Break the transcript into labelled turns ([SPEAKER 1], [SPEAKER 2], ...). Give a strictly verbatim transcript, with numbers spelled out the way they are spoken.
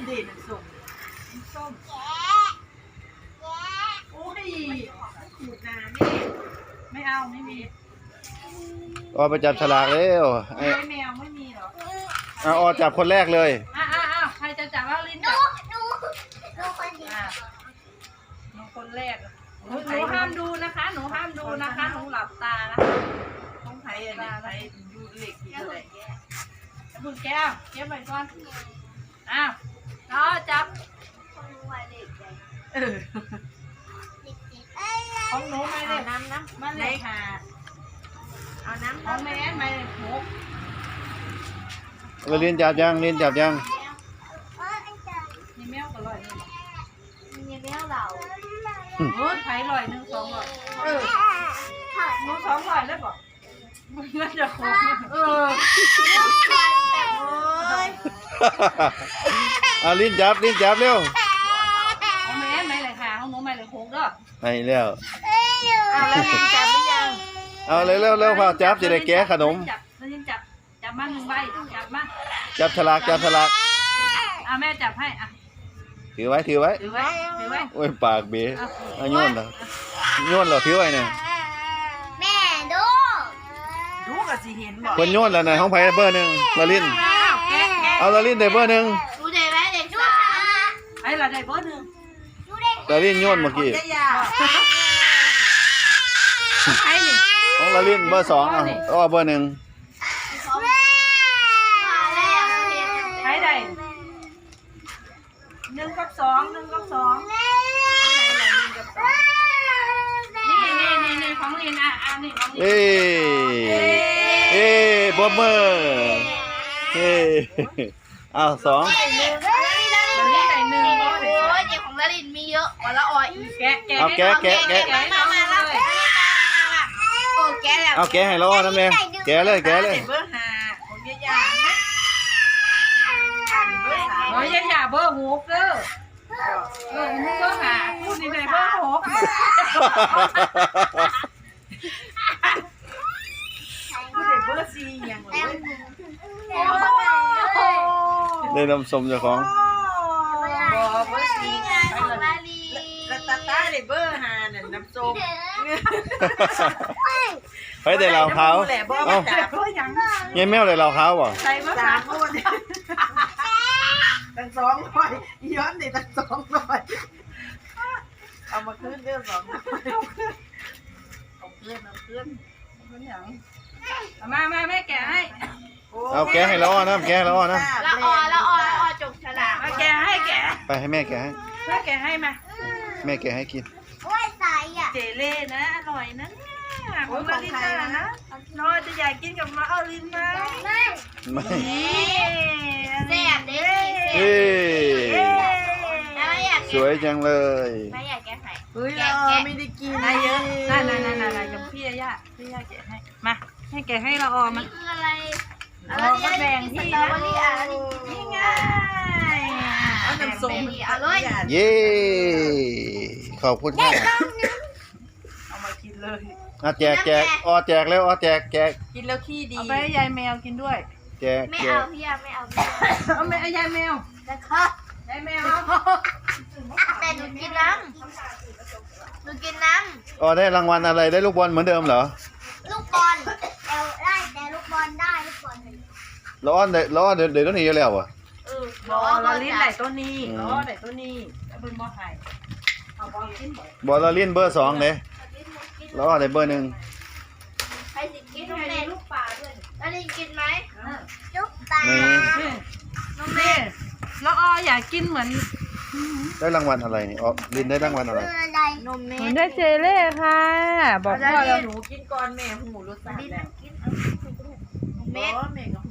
[SPEAKER 1] ดีน้ำส้มน้ำส้มโอ้ยขูดน้ำนี่ไม่เอาไม่มี
[SPEAKER 2] ออไปจับฉลากเร็วไอ้
[SPEAKER 1] แมวไม่มีหรอ
[SPEAKER 2] อ่ะออจับคนแรกเลย
[SPEAKER 1] อ้าวอ้าวใครจะจับว่าลิ้นจับดูดูคนเดียวหนูคนแรกหนูห้ามดูนะคะหนูห้ามดูนะคะหนูหลับตานะต้องไผ่อะไรไผ่ดูเหล็กอยู่เลยบุญแก้วเก็บไว้ก่อนอ้าวรอจับของหนูไม่ได้น้ำนะมันเลยค่ะเอาน้ำของแม่ไม่ได้หก
[SPEAKER 2] เราเรียนจับยังเรียนจับยัง
[SPEAKER 1] นี่แมวก็ลอย
[SPEAKER 3] นี่แมวเรา
[SPEAKER 1] โอ้ยไผ่ลอยหนึ่งสองลอยเออหนูสองลอยเลยบอกมันน่าจะครบเออ
[SPEAKER 2] เอาลิ้นจับลิ้นจับเร็ว
[SPEAKER 1] ของแม่ไม่เลยค่ะของหนูไม่เลยหกเด้อ
[SPEAKER 2] ไปแล้ว
[SPEAKER 1] เอาแล้วจับหรือยัง
[SPEAKER 2] เอาเร็วเร็วเร็วพอจับจะได้แกะขนม
[SPEAKER 1] จับแล้วจับจับมาหนึ่งใบจับมา
[SPEAKER 2] จับฉลากจับฉลาก
[SPEAKER 1] อ่ะแม่จับให้อ่ะ
[SPEAKER 2] ถือไว้ถือไว้
[SPEAKER 1] ถือไว้ถือไว้
[SPEAKER 2] โอ้ยปากเบี้ยเอาโยนเหรอโยนเหรอถือไว้เนี่ย
[SPEAKER 3] แม่ดู
[SPEAKER 1] ดูกับสีเห็นบอก
[SPEAKER 2] คนโยนแล้วนะห้องไผ่เบอร์หนึ่งลาลินเอาลาลินได้เบอร์หนึ่ง
[SPEAKER 3] ดูได้ไหมเด็กดู
[SPEAKER 1] ไอ้เราได้เบอร์หนึ่ง
[SPEAKER 2] ลาลินโยนเมื่อกี้
[SPEAKER 1] ไอ้นี่
[SPEAKER 2] ของลาลินเบอร์สองอ่ะอ๋อเบอร์หนึ่ง
[SPEAKER 1] ไอ้ใดหนึ่งกับสองหนึ่งกับสองนี่นี่นี่นี่ของลินอ่ะอ่ะนี่ของลิน
[SPEAKER 2] เอ้เอ้บอมเบอร์เอ้อ้าวสอง
[SPEAKER 3] ลาลินใส่หนึ่งโอ้ยเด็กของลาลินมีเยอะวันละออย
[SPEAKER 1] แกะแกะ
[SPEAKER 2] เอาแกะแกะแกะ
[SPEAKER 3] มามาเลยโอ้แกะแล้ว
[SPEAKER 2] เอาแกะให้เราอ่ะนะแม่แกะเลยแกะเลย
[SPEAKER 1] เบอร์ห้าของยายาโอ้ยยายาเบอร์หกเด้อเออมึงเบอร์ห้าพูดนี่ไหนเบอร์หกพูดไหนเบอร์สี่อย่างเลย
[SPEAKER 2] ได้น้ำส้มเจ้าของ
[SPEAKER 1] บอเบอร์สี่แล้วตาตาเลยเบอร์ห้าเนี่ยน้ำส้ม
[SPEAKER 2] ไปแต่เราเขาเอ้ายังแมวแต่เราเขาบ่
[SPEAKER 1] ใส่มาสามคนตั้งสองร้อยย้อนดิตั้งสองร้อยเอามาขึ้นเรื่องสองเอาขึ้นเอาขึ้นเอาขึ้นขึ้นอย่างมามาแม่แกะให้
[SPEAKER 2] เอาแกะให้เราอ่ะนะแกะให้เราอ่ะนะ
[SPEAKER 3] ละออละออละออจกฉลาก
[SPEAKER 1] มาแกะให้แกะ
[SPEAKER 2] ไปให้แม่แกะให้
[SPEAKER 1] แม่แกะให้มา
[SPEAKER 2] แม่แกะให้กิน
[SPEAKER 3] โอ้ยใส่อ่ะ
[SPEAKER 1] เจเล่นะอร่อยนะของมาลินนะน้อยจะอยากกินกับมาเอาลินไหม
[SPEAKER 3] ไม่
[SPEAKER 2] ไม่
[SPEAKER 3] แซ่บเด้
[SPEAKER 2] เฮ้
[SPEAKER 3] ย
[SPEAKER 2] สวยจังเลย
[SPEAKER 3] ไม่อยากแกะให้
[SPEAKER 1] เฮ้ยไม่ได้กินอะไรเยอะนั่นนั่นนั่นนั่นกับพี่ย่าพี่ย่าแกะให้มาให้แกะให้เราออมมัน
[SPEAKER 3] คืออะไร
[SPEAKER 1] เราก็แบ่งที่นะนี่ไงเอาน้ำส้ม
[SPEAKER 3] เอาเลย
[SPEAKER 2] เย้ขอบคุณค่ะ
[SPEAKER 1] เอามากินเลย
[SPEAKER 2] อ่ะแจกแจกอ๋อแจกแล้วอ๋อแจกแจก
[SPEAKER 1] กินแล้วขี้ดีเอาไปให้ยายแมวกินด้วย
[SPEAKER 2] แจก
[SPEAKER 3] ไม่เอาพี่ยาไม่เอา
[SPEAKER 1] เอาไปให้ยายแมว
[SPEAKER 3] นะครับ
[SPEAKER 1] ยายแมว
[SPEAKER 3] แต่หนูกินน้ำหนูกินน้ำ
[SPEAKER 2] อ๋อได้รางวัลอะไรได้ลูกบอลเหมือนเดิมเหรอ
[SPEAKER 3] ลูกบอลเอาได้แต่ลูกบอลได้ลูกบอล
[SPEAKER 2] ล้อเดี๋ยวล้อเดี๋ยวเดี๋ยวต้องหนีแล้วอ่ะ
[SPEAKER 1] เออบอลลิ้นไหนตัวนี้ล้อไหนตัวนี้แล้วเป็นบอลไห่เอาบอลลิ้น
[SPEAKER 2] บอลลิ้นเบอร์สองเลยล้อได้เบอร์หนึ่ง
[SPEAKER 3] ใครสิกินน้องเล่ลูกปลาด้วยแล้วลินกินไหมลูกปลา
[SPEAKER 1] น้องเล่แล้วออยากกินเหมือน
[SPEAKER 2] ได้รางวัลอะไรนี่อ๋อลินได้รางวัลอะไร
[SPEAKER 3] นมเม
[SPEAKER 1] ย์ได้เจเล่ค่ะบอกพ่อแล้วหนูกินก่อนแม่หูรสชาติแล้ว
[SPEAKER 3] เม็ด
[SPEAKER 1] แม่กับ